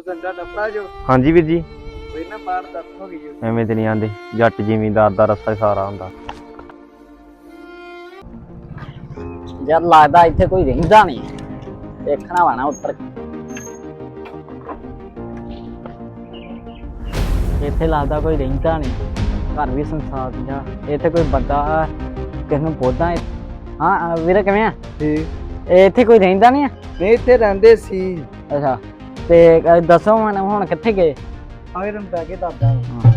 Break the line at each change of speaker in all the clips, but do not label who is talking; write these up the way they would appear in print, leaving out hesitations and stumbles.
ਸੰਡਾ ਟੱਪਾ ਜੋ।
ਹਾਂਜੀ ਵੀਰ ਜੀ।
ਕੋਈ ਨਾ ਬਾਹਰ ਦੱਸ ਹੋ ਗਈ ਜੋ।
ਐਵੇਂ ਤੇ ਨਹੀਂ ਆਂਦੇ, ਜੱਟ ਜ਼ਿਮੀਂਦਾਰ ਦਾ ਰਸਤਾ ਸਾਰਾ ਹੁੰਦਾ।
ਯਾਰ ਲੱਗਦਾ ਇੱਥੇ ਕੋਈ ਰਹਿੰਦਾ ਨਹੀਂ, ਦੇਖਣਾ ਵਾ ਨਾ ਉੱਤਰ ਕੇ। ਇੱਥੇ ਲੱਗਦਾ ਕੋਈ ਰਹਿੰਦਾ ਨਹੀਂ, ਘਰ ਵੀ ਸੰਸਾਰ ਜਾ। ਇੱਥੇ ਕੋਈ ਬੰਦਾ ਕਿਸ ਨੂੰ ਪੁੱਛਦਾ। ਹਾਂ ਵੀਰੇ ਕਿਵੇਂ ਆ?
ਠੀਕ।
ਇੱਥੇ ਕੋਈ ਰਹਿੰਦਾ ਨਹੀਂ ਆ?
ਨਹੀਂ ਇੱਥੇ ਰਹਿੰਦੇ ਸੀ।
ਅੱਛਾ ਤੇ ਦੱਸੋ ਹੁਣ ਕਿੱਥੇ ਗਏ?
ਆਏ ਰਮ ਬੈ ਕੇ ਦੱਸਦਾ।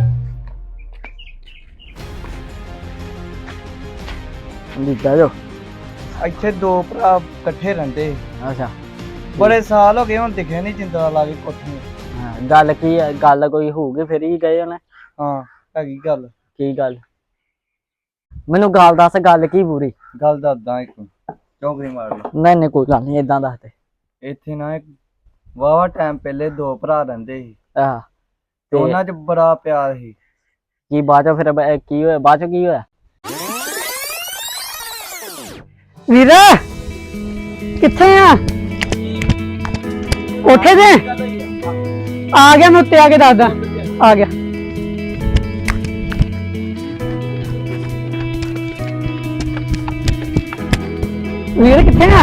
ਦਿੱਤਾ ਜੋ
ਇੱਥੇ ਦੋ ਭਰਾ ਇਕੱਠੇ ਰਹਿੰਦੇ।
ਅੱਛਾ
ਬੜੇ ਸਾਲ ਹੋ ਗਏ, ਹੁਣ ਦਿਖਿਆ ਨਹੀਂ ਜਿੰਦਰਾ ਲਾ ਕੇ ਕੋਠੀ।
ਗੱਲ ਕੀ ਹੈ? ਗੱਲ ਕੋਈ ਹੋਊਗੀ ਫਿਰ ਹੀ ਗਏ ਉਹਨੇ।
ਹਾਂ ਹੈਗੀ ਗੱਲ।
ਕੀ ਗੱਲ? ਮੈਨੂੰ ਗੱਲ ਦੱਸ, ਗੱਲ ਕੀ ਪੂਰੀ?
ਗੱਲ ਦੱਸਦਾ ਇੱਕ, ਚੌਂਕੜੀ ਮਾਰ ਲਈ।
ਨਹੀਂ ਕੋਈ ਗੱਲ ਨਹੀਂ, ਏਦਾਂ ਦੱਸ ਦੇ।
ਇੱਥੇ ਨਾ ਇੱਕ ਵਾਵਾ ਟਾਈਮ ਪਹਿਲੇ ਦੋ ਭਰਾ ਰਹਿੰਦੇ ਸੀ
ਆਹ
ਤੇ ਉਹਨਾਂ 'ਚ ਬੜਾ ਪਿਆਰ ਸੀ।
ਕੀ ਬਾਅਦ ਚੋਂ ਫਿਰ ਕੀ ਹੋਇਆ? ਬਾਅਦ ਚੋਂ ਕੀ ਹੋਇਆ? ਵੀਰ ਕਿੱਥੇ ਆ? ਕੋਠੇ ਤੇ ਆ ਗਿਆ, ਮੈਂ ਉੱਤੇ ਆ ਕੇ ਦੱਸਦਾ। ਆ ਗਿਆ। ਵੀਰ ਕਿੱਥੇ ਆ?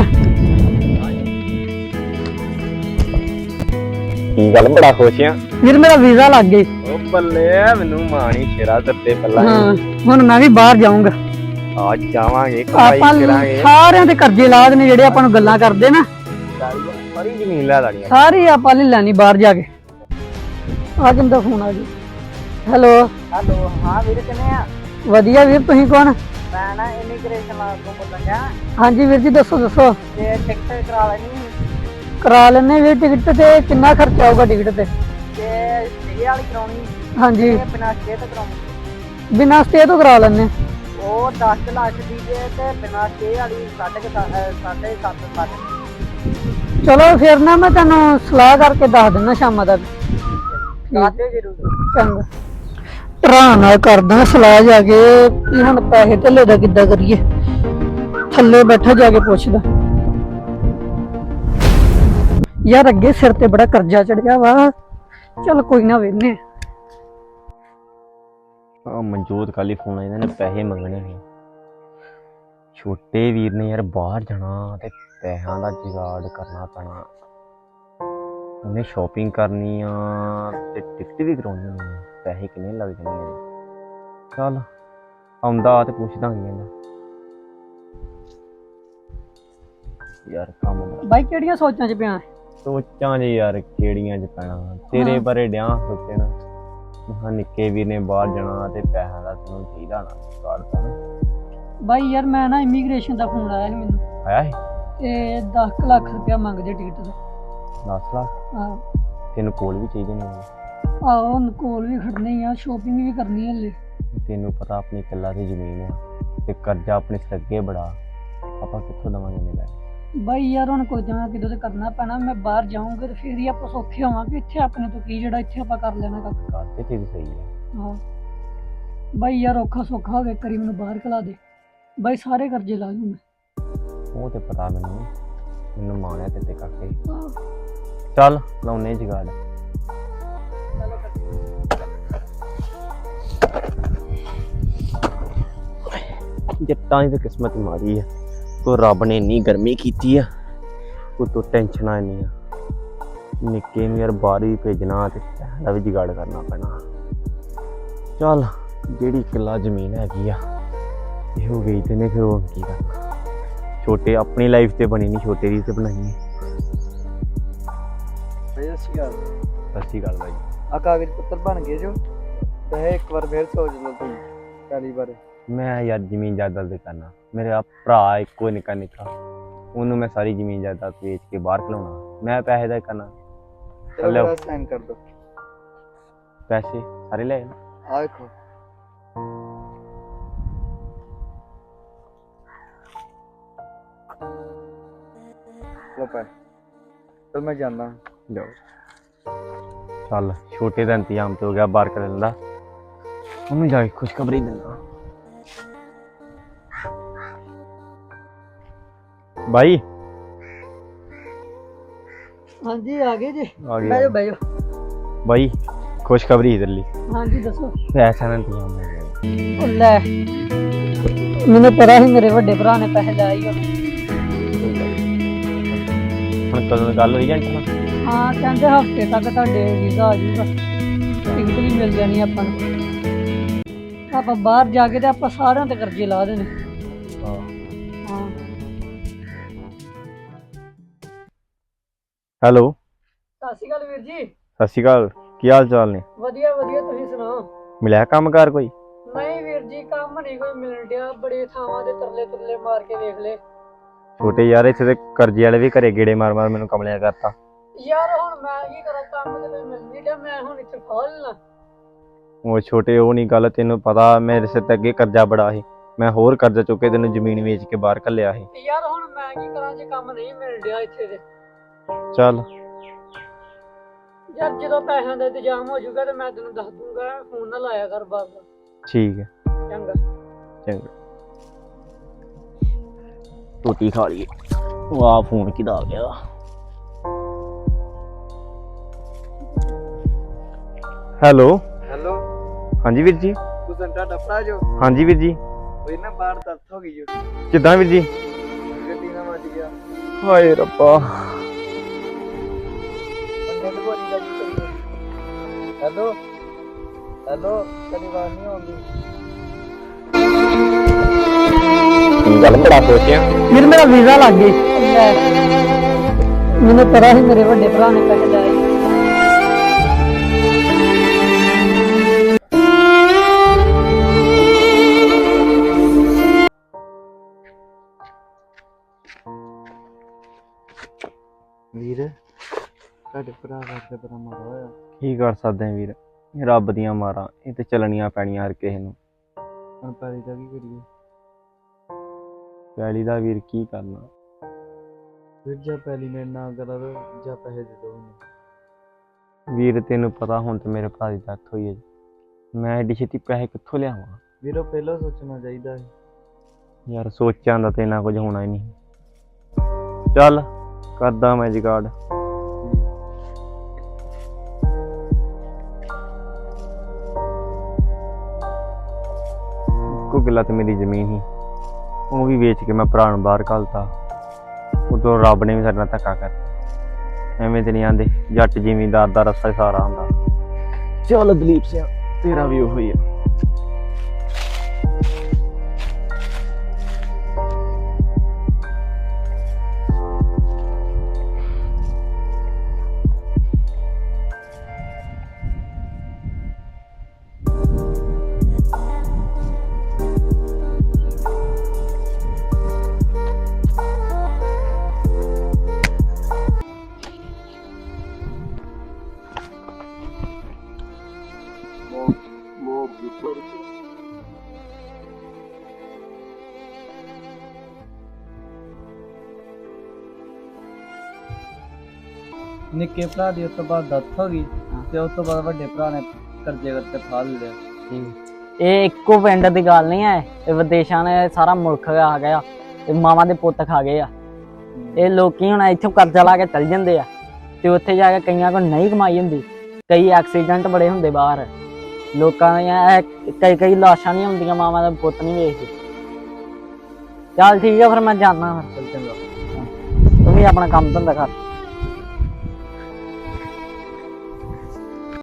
ਕੀ ਗੱਲ ਬੜਾ ਖੁਸ਼ ਆ?
ਵੀਰ ਮੇਰਾ ਵੀਜ਼ਾ ਲੱਗ ਗਿਆ।
ਉਹ ਬੱਲੇ, ਮੈਨੂੰ ਮਾਣੀ ਸ਼ੇਰਾ ਦਿੱਤੇ ਪਹਿਲਾਂ।
ਹਾਂ ਹੁਣ ਮੈਂ ਵੀ ਬਾਹਰ ਜਾਊਂਗਾ।
ਅੱਜ ਜਾਵਾਂਗੇ, ਕਮਾਈ
ਆਪਾਂ
ਕਰਾਂਗੇ।
ਸਾਰਿਆਂ ਦੇ ਕਰਜ਼ੇ ਲਾਦ ਨੇ ਜਿਹੜੇ ਆਪਾਂ ਨੂੰ ਗੱਲਾਂ ਕਰਦੇ ਨਾ,
ਸਾਰੀ ਜ਼ਮੀਨ ਲੈ ਲੈਣੀ।
ਸਾਰੀ ਆਪਾਂ ਲੈ ਲੈਣੀ ਬਾਹਰ ਜਾ ਕੇ। ਆ ਕਿੰਦਾ ਫੋਨ ਆ ਗਿਆ। ਹੈਲੋ। ਹੈਲੋ। ਹਾਂ ਵੀਰ ਕਿਵੇਂ ਆ? ਵਧੀਆ ਵੀਰ, ਤੁਸੀਂ ਕੌਣ? ਮੈਂ ਨਾ ਇਮੀਗ੍ਰੇਸ਼ਨ ਲਾਗ ਤੋਂ ਬੋਲਦਾ। ਹਾਂਜੀ ਵੀਰ ਜੀ ਦੱਸੋ ਦੱਸੋ। ਤੇ ਟਿਕਟ ਕਰਾ ਲੈਣੀ? ਕਰਾ ਲੈਣੇ ਵੀਰ। ਟਿਕਟ ਤੇ ਕਿੰਨਾ ਖਰਚਾ ਆਊਗਾ ਟਿਕਟ ਤੇ? ਤੇ ਸਟੇ ਵਾਲੀ ਕਰਾਉਣੀ? ਹਾਂਜੀ। ਬਿਨਾਂ ਸਟੇ ਤੋਂ ਕਰਾਉਣੀ? ਬਿਨਾਂ ਸਟੇ ਤੋਂ ਕਰਾ ਲੈਣੇ। ਉਹ 10 ਲੱਖ ਦੀ ਜੇ ਤੇ ਬਿਨਾਂ ਸਟੇ ਵਾਲੀ 7.5 ਲੱਖ। ਚਲੋ ਫਿਰ ਨਾ ਮੈਂ ਤੁਹਾਨੂੰ ਸਲਾਹ ਕਰਕੇ ਦੱਸ ਦਿੰਦਾ ਸ਼ਾਮਾਂ ਤੱਕ। ਚੰਗਾ ਭਰਾ ਨਾਲ ਕਰਦਾ ਸਲਾਹ ਜਾ ਕੇ ਵੀ ਹੁਣ ਪੈਸੇ ਧੇਲੇ ਦਾ ਕਿੱਦਾਂ ਕਰੀਏ। ਥੱਲੇ ਬੈਠਾ ਜਾ ਕੇ ਪੁੱਛਦਾ। ਯਾਰ ਅੱਗੇ ਸਿਰ ਤੇ ਬੜਾ ਕਰਜ਼ਾ ਚੜਿਆ ਵਾ। ਚੱਲ ਕੋਈ ਨਾ ਵੇਖਨੇ।
ਮਨਜੋਤ ਖਾਲੀ ਫੋਨ ਆਇਆ, ਨੇ ਪੈਸੇ ਮੰਗਣੇ ਨੇ। ਛੋਟੇ ਵੀਰ ਨੇ ਯਾਰ ਬਾਹਰ ਜਾਣਾ ਤੇ ਪੈਸਿਆਂ ਦਾ ਜੁਗਾੜ ਕਰਨਾ ਪੈਣਾ। ਉਹਨੇ ਸ਼ਾਪਿੰਗ ਕਰਨੀ ਆ ਤੇ ਟਿਕਟ ਵੀ ਕਰਾਉਣੀ ਆ। ਪੈਸੇ ਕਿੰਨੇ ਲੱਗ ਜਾਣੇ ਆ? ਚੱਲ ਆਉਂਦਾ ਤੇ ਪੁੱਛਦਾ ਹੀ ਯਾਰ ਕੰਮ।
ਬਾਈ ਕਿਹੜੀਆਂ ਸੋਚਾਂ 'ਚ ਪਿਆ?
ਸੋਚਾਂ ਜੀ ਯਾਰ ਕਿਹੜੀਆਂ 'ਚ ਪੈਣਾ। ਤੇਰੇ ਬਾਰੇ ਡਿਆ ਸੋਚਣ। ਹਾਂ ਨਿੱਕੇ ਵੀਰ ਨੇ ਬਾਹਰ ਜਾਣਾ ਤੇ ਪੈਸਿਆਂ ਦਾ ਤੈਨੂੰ ਚਾਹੀਦਾ ਨਾ ਕਾੜਦਾ ਨਾ।
ਬਾਈ ਯਾਰ ਮੈਂ ਨਾ ਇਮੀਗ੍ਰੇਸ਼ਨ ਦਾ ਫੋਨ ਆਇਆ ਸੀ ਮੈਨੂੰ।
ਆਇਆ ਸੀ?
ਤੇ 10 ਲੱਖ ਰੁਪਇਆ ਮੰਗਦੇ ਟਿਕਟ ਦਾ।
10 ਲੱਖ?
ਹਾਂ।
ਤੈਨੂੰ ਕੋਲ ਵੀ ਚਾਹੀਦੇ ਨੇ?
ਆਹੋ ਕੋਲ ਵੀ ਖੜਨੇ ਆ, ਸ਼ੋਪਿੰਗ ਵੀ ਕਰਨੀ ਹਲੇ।
ਤੈਨੂੰ ਪਤਾ ਆਪਣੀ ਕਿੱਲਾ ਦੀ ਜ਼ਮੀਨ ਆ ਤੇ ਕਰਜ਼ਾ ਆਪਣੇ ਸਿਰ ਅੱਗੇ ਬੜਾ। ਆਪਾਂ ਕਿੱਥੋਂ ਦੇਵਾਂਗੇ ਨੇ ਪੈਸੇ?
ਬਾਈ ਯਾਰ ਹੁਣ ਕੋਈ ਜਮਾ ਕਿਦੋਂ ਤੇ ਕਰਨਾ ਪੈਣਾ। ਮੈਂ ਬਾਹਰ ਜਾਊਂਗਾ ਤੇ ਫਿਰ ਹੀ ਆਪਾਂ ਸੌਖੇ ਹੋਵਾਂਗੇ। ਇੱਥੇ ਆਪਣੇ ਤੋਂ ਕੀ ਜਿਹੜਾ ਇੱਥੇ ਆਪਾਂ ਕਰ ਲੈਣਾ ਕੱਖ।
ਗੱਲ ਤੇ ਤੇਰੀ ਸਹੀ ਆ।
ਹਾਂ ਬਾਈ ਯਾਰ ਔਖਾ ਸੌਖਾ ਹੋਵੇ ਕਰੀ ਮੈਨੂੰ ਬਾਹਰ ਖਿਲਾ ਦੇ। ਬਾਈ ਸਾਰੇ ਕਰਜ਼ੇ ਲਾ ਲੂੰ ਮੈਂ।
ਉਹ ਤੇ ਪਤਾ ਮੈਨੂੰ ਮਾਣਿਆ ਤੇ ਕਰਕੇ। ਚੱਲ ਲਾਉਨੇ ਜਗਾੜ। ਜੱਟਾਂ ਦੀ ਤਾਂ ਕਿਸਮਤ ਮਾੜੀ ਆ। ਕੋ ਰੱਬ ਨੇ ਇੰਨੀ ਗਰਮੀ ਕੀਤੀ ਆ, ਉਤੋਂ ਟੈਨਸ਼ਨਾਂ ਇੰਨੀਆਂ। ਨਿੱਕੇ ਨੂੰ ਯਾਰ ਬਾਹਰ ਵੀ ਭੇਜਣਾ ਤੇ ਦਾ ਵੀ ਜੁਗਾੜ ਕਰਨਾ ਪੈਣਾ। ਚੱਲ ਜਿਹੜੀ ਕਿੱਲਾ ਜ਼ਮੀਨ ਹੈਗੀ ਆ ਇਹੋ ਵੇਚਦੇ ਨੇ, ਫਿਰ ਉਹ ਕੀ ਕਰਨਾ। ਛੋਟੇ ਆਪਣੀ ਲਾਈਫ ਤੇ ਬਣੀ ਨਹੀਂ, ਛੋਟੇ ਦੀ ਤੇ ਬਣਾਈ।
ਸਤਿ
ਸੱਚੀ ਗੱਲ ਬਾਈ।
ਆ ਕਾਗਜ਼ ਪੱਤਰ ਬਣ ਗਏ ਜੋ। ਤੇ ਇੱਕ ਵਾਰ ਫੇਰ ਸੋਚ ਲਓ ਤੁਸੀਂ ਪਹਿਲੀ ਵਾਰ।
ਮੈਂ ਯਾਰ ਜ਼ਮੀਨ ਜਾਇਦਾਦ ਦੇ ਕਰਨਾ। ਮੇਰਾ ਭਰਾ ਇੱਕੋ ਨਿੱਕਾ ਨਿੱਕਾ, ਉਹਨੂੰ ਮੈਂ ਸਾਰੀ ਜ਼ਮੀਨ ਜਾਇਦਾਦ ਵੇਚ ਕੇ ਬਾਹਰ ਖਲਾਉਣਾ। ਮੈਂ ਪੈਸੇ ਦਾ ਕਰਨਾ।
ਚਲੋ ਸਾਈਨ ਕਰ ਦੋ।
ਪੈਸੇ ਸਾਰੇ ਲੈ
ਆ ਵੇਖੋ। ਲੋ ਪੈ। ਚਲ ਮੈਂ ਜਾਂਦਾ।
ਜਾਓ। ਚੱਲ ਛੋਟੇ ਦਾ ਇੰਤਜ਼ਾਮ ਤੇ ਹੋ ਗਿਆ ਬਾਹਰ ਕਰਨ ਦਾ। ਉਹਨੂੰ ਜਾ ਕੇ ਖੁਸ਼ਖਬਰੀ ਦਿੰਦਾ। भाई
हाँ जी आ गए जी।
आ गए।
बैठो बैठो।
ਬਾਈ ਖੁਸ਼ਖਬਰੀ ਇਧਰ ਲਈ
ਹਾਂਜੀ ਦੱਸੋ।
ਪੈਸਾ ਨਾ ਇੰਤਜ਼ਾਮ ਹੋ ਗਿਆ।
ਉਹ ਲੈ, ਮੈਨੂੰ ਪਤਾ ਸੀ ਮੇਰੇ ਵੱਡੇ ਭਰਾ ਨੇ ਪੈਸੇ ਲਾਏ ਹੀ ਹੋਣੇ।
ਹੁਣ ਕਦੋਂ ਗੱਲ ਹੋਈ ਏਜੰਟ ਨਾਲ?
ਹਾਂ ਕਹਿੰਦੇ ਹਫਤੇ ਤੱਕ ਤੁਹਾਡੇ ਵੀਜ਼ਾ ਆ ਜਾਊਗਾ, ਟਿਕਟ ਵੀ ਮਿਲ ਜਾਣੀ ਆਪਾਂ ਨੂੰ। ਆਪਾਂ ਬਾਹਰ ਜਾ ਕੇ ਤੇ ਆਪਾਂ ਸਾਰਿਆਂ ਤੇ ਕਰਜ਼ੇ ਲਾ ਦੇਣੇ।
ਹਾਂ
ਹਾਂ
ਹੈਲੋ,
ਸਤਿ ਸ਼੍ਰੀ ਅਕਾਲ ਵੀਰ ਜੀ।
ਸਤਿ ਸ਼੍ਰੀ ਅਕਾਲ, ਕੀ ਹਾਲ ਚਾਲ ਨੇ?
ਵਧੀਆ ਵਧੀਆ, ਤੁਸੀਂ ਸੁਣਾਓ?
ਮਿਲਿਆ ਕੰਮਕਾਰ ਕੋਈ?
ਨਹੀਂ ਵੀਰ ਜੀ, ਕੰਮ ਨਹੀਂ ਕੋਈ ਮਿਲਣ ਡਿਆ। ਬੜੇ ਥਾਵਾਂ ਦੇ ਤਰਲੇ ਤੁਰਲੇ ਮਾਰ ਕੇ ਵੇਖ ਲਏ।
ਛੋਟੇ ਯਾਰ ਇੱਥੇ ਤੇ ਕਰਜ਼ੇ ਵਾਲੇ ਵੀ ਘਰੇ ਗੇੜੇ ਮਾਰ ਮਾਰ ਮੈਨੂੰ ਕਮਲਿਆ ਕਰਤਾ।
ਯਾਰ ਹੁਣ ਮੈਂ ਕੀ ਕਰਾਂ, ਕੰਮ ਤੇ ਕੋਈ ਮਿਲ ਨਹੀਂ ਡਿਆ। ਮੈਂ ਹੁਣ ਇੱਥੇ ਫਾਲ ਲਾਂ।
ਉਹ ਛੋਟੇ ਉਹ ਨਹੀਂ ਗੱਲ, ਤੈਨੂੰ ਪਤਾ ਮੇਰੇ ਸਿਰ ਤੇ ਅੱਗੇ ਕਰਜ਼ਾ ਬੜਾ ਸੀ। ਮੈਂ ਹੋਰ ਕਰਜ਼ਾ ਚੁੱਕ ਕੇ ਤੈਨੂੰ ਜ਼ਮੀਨ ਵੇਚ ਕੇ ਬਾਹਰ ਘੱਲਿਆ ਸੀ।
ਯਾਰ ਹੁਣ ਮੈਂ ਕੀ ਕਰਾਂ ਜੇ ਕੰਮ ਨਹੀਂ ਮਿਲ ਡਿਆ ਇੱਥੇ ਦੇ।
ਚੱਲ
ਯਾਰ ਜਦੋਂ ਪੈਸਿਆਂ ਦਾ ਇੰਤਜ਼ਾਮ ਹੋ ਜਾਊਗਾ ਤੇ ਮੈਂ ਤੈਨੂੰ ਦੱਸ ਦੂੰਗਾ। ਫੋਨ ਨਾ ਲਾਇਆ ਕਰ ਬਾਰ ਬਾਰ।
ਠੀਕ ਹੈ,
ਚੰਗਾ।
ਚੰਗਾ। ਰੋਟੀ ਖਾ ਲਈਏ। ਵਾਹ, ਫੋਨ ਕਿਹਦਾ ਆ ਗਿਆ? ਹੈਲੋ
ਹੈਲੋ,
ਹਾਂਜੀ ਵੀਰ ਜੀ।
ਤੁਸੀਂ ਤੁਹਾਡਾ ਭਰਾ ਜੋ?
ਹਾਂਜੀ ਵੀਰ ਜੀ।
ਕੋਈ ਨਾ ਬਾਹਰ ਦੱਸ ਹੋ ਗਈ ਜੋ,
ਕਿੱਦਾਂ ਵੀਰ ਜੀ?
ਗੱਡੀ ਨਾਲ ਵੱਜ ਗਿਆ।
ਹਾਏ ਰੱਬਾ।
ਬੰਦੇ ਨੂੰ ਬੋਲੀ ਦਾ ਕੀ ਕਰੀਏ? ਹੈਲੋ ਹੈਲੋ, ਤੇਰੀ ਆਵਾਜ਼ ਨਹੀਂ ਆਉਂਦੀ।
ਗੱਲ ਬੜਾ ਸੋਚਿਆ।
ਫਿਰ ਮੇਰਾ ਵੀਜ਼ਾ ਲੱਗ ਗਿਆ। ਮੈਨੂੰ ਪਤਾ ਸੀ ਮੇਰੇ ਵੱਡੇ ਭਰਾ ਨੇ ਪੈਸੇ ਲਾਏ।
ਵੀਰ ਤੁਹਾਡੇ ਭਰਾ ਵਾਸਤੇ ਬੜਾ ਮਾੜਾ ਹੋਇਆ।
ਕੀ ਕਰ ਸਕਦੇ ਆ ਵੀਰ, ਰੱਬ ਦੀਆਂ ਮਾਰਾਂ, ਇਹ ਤੇ ਚੱਲਣੀਆਂ ਪੈਣੀਆਂ ਹਰ ਕਿਸੇ ਨੂੰ।
ਹੁਣ ਪੈਲੀ ਦਾ ਕੀ ਕਰੀਏ?
ਪੈਲੀ ਦਾ ਵੀਰ ਕੀ ਕਰਨਾ?
ਫਿਰ ਜਾਂ ਪੈਲੀ ਮੇਰੇ ਨਾਲ ਕਰਾ ਦੋ ਜਾਂ ਪੈਸੇ ਦੇ ਦੋ ਮੈਨੂੰ।
ਵੀਰ ਤੈਨੂੰ ਪਤਾ ਹੁਣ ਤੇ ਮੇਰੇ ਭਰਾ ਦੀ ਡੈਥ ਹੋਈ ਹੈ ਜੀ, ਮੈਂ ਐਡੀ ਛੇਤੀ ਪੈਸੇ ਕਿੱਥੋਂ ਲਿਆਵਾਂ?
ਵੀਰੋ ਪਹਿਲਾਂ ਸੋਚਣਾ ਚਾਹੀਦਾ ਸੀ।
ਯਾਰ ਸੋਚਾਂ ਦਾ ਤੇ ਇੰਨਾ ਕੁਝ ਹੋਣਾ ਹੀ ਨਹੀਂ। ਚੱਲ ਕਰਦਾ ਮੈਂ ਜੁਗਾੜ। ਇੱਕੋ ਕਿੱਲਾ ਤੇ ਮੇਰੀ ਜ਼ਮੀਨ ਸੀ, ਉਹ ਵੀ ਵੇਚ ਕੇ ਮੈਂ ਭਰਾ ਨੂੰ ਬਾਹਰ ਘੱਲਤਾ। ਉਦੋਂ ਰੱਬ ਨੇ ਵੀ ਸਾਡੇ ਨਾਲ ਧੱਕਾ ਕਰਤਾ। ਐਵੇਂ ਤੇ ਨਹੀਂ ਆਂਦੇ ਜੱਟ ਜ਼ਿਮੀਂਦਾਰ ਦਾ ਰਸਾ ਹੀ ਸਾਰਾ ਹੁੰਦਾ। ਚੱਲ ਦਲੀਪ ਸਿੰਘ, ਤੇਰਾ ਵੀ ਉਹੀ ਆ।
ਨਿੱਕੇ ਭਰਾ ਦੀ ਉਸ ਤੋਂ ਬਾਅਦ ਡੈਥ ਹੋ ਗਈ ਤੇ ਉਸ ਤੋਂ ਬਾਅਦ ਵੱਡੇ ਭਰਾ ਨੇ ਕਰਜ਼ੇ ਕਰਕੇ ਫਾਲ ਲਿਆ।
ਇਹ ਇੱਕੋ ਪਿੰਡ ਦੀ ਗੱਲ ਨਹੀਂ ਹੈ, ਇਹ ਵਿਦੇਸ਼ਾਂ ਨੇ ਸਾਰਾ ਮੁਲਕ ਆ ਗਿਆ ਤੇ ਮਾਵਾਂ ਦੇ ਪੁੱਤ ਖਾ ਗਏ ਆ। ਇਹ ਲੋਕੀ ਹੁਣ ਇੱਥੋਂ ਕਰਜ਼ਾ ਲਾ ਕੇ ਚੱਲ ਜਾਂਦੇ ਆ ਤੇ ਉੱਥੇ ਜਾ ਕੇ ਕਈਆਂ ਕੋਲ ਨਹੀਂ ਕਮਾਈ ਹੁੰਦੀ। ਕਈ ਐਕਸੀਡੈਂਟ ਬੜੇ ਹੁੰਦੇ ਬਾਹਰ, ਲੋਕਾਂ ਦੀਆਂ ਕਈ ਲਾਸ਼ਾਂ ਨਹੀਂ ਹੁੰਦੀਆਂ, ਮਾਵਾਂ ਦੇ ਪੁੱਤ ਨਹੀਂ ਵੇਖਦੇ। ਚੱਲ ਠੀਕ ਆ ਫਿਰ ਮੈਂ ਜਾਣਾ।
ਚੰਗਾ।
ਤੂੰ ਵੀ ਆਪਣਾ ਕੰਮ ਧੰਦਾ ਕਰ।